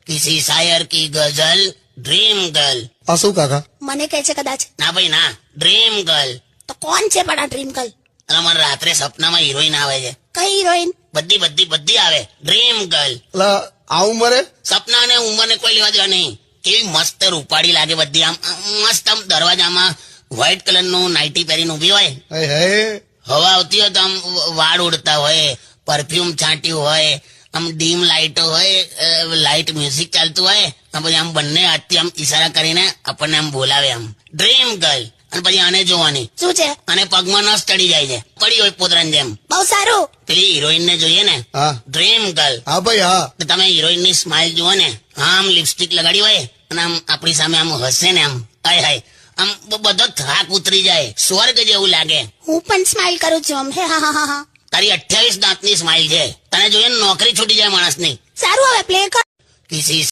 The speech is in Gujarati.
किसी शायर की गजल ड्रीम गर्ल। આ શું કાકા? મને કહે છે કદાચ. ના ભાઈ ના, ડ્રીમ ગર્લ. તો કોણ છે પણ આ ડ્રીમ ગર્લ? અને મને રાત્રે સપનામાં હિરોઈન આવે છે. કઈ હિરોઈન? બધી બધી બધી આવે, ડ્રીમ ગર્લ. અલા આ ઉંમરે? સપના ને ઉંમરને કોઈ લેવા દેવા નહીં. કેવી મસ્ત રૂપાળી લાગે બધી, આમ મસ્ત આમ દરવાજામાં વ્હાઈટ કલર નું નાઇટી પહેરીને ઉભી હોય, હે હે હવા આવતી હોય તો આમ વાળ ઉડતા હોય, પરફ્યુમ છાંટ્યું હોય, આમ ડીમ લાઇટો હોય, લાઇટ મ્યુઝિક ચાલતું હોય, અને પછી આમ બંને હાથથી આમ ઈશારા કરીને આપણને આમ બોલાવે, આમ ડ્રીમ ગર્લ. અને પછી આને જોવાની, શું છે? અને પગમાં નસ ચડી જાય છે, પડી હોય પોતરાની જેમ. બહુ સારું. પેલી હિરોઈન ને જોઈએ ને, હા ડ્રીમ ગર્લ. હા ભાઈ હા. તો તમે હિરોઈન ની સ્માઇલ જુઓ ને, આમ લિપસ્ટિક લગાડી હોય અને આમ આપણી સામે આમ હસે ને, આમ હાય હાય, આમ બધો થાક ઉતરી જાય, સ્વર્ગ જેવું લાગે. હું પણ સ્માઇલ કરું છું આમ. હે હા હા હા હા. તારી 28 દાંતની સ્માઇલ છે, તને જોઈએ ને નોકરી છૂટી જાય માણસની. સારું, હવે પ્લે કર. કિસી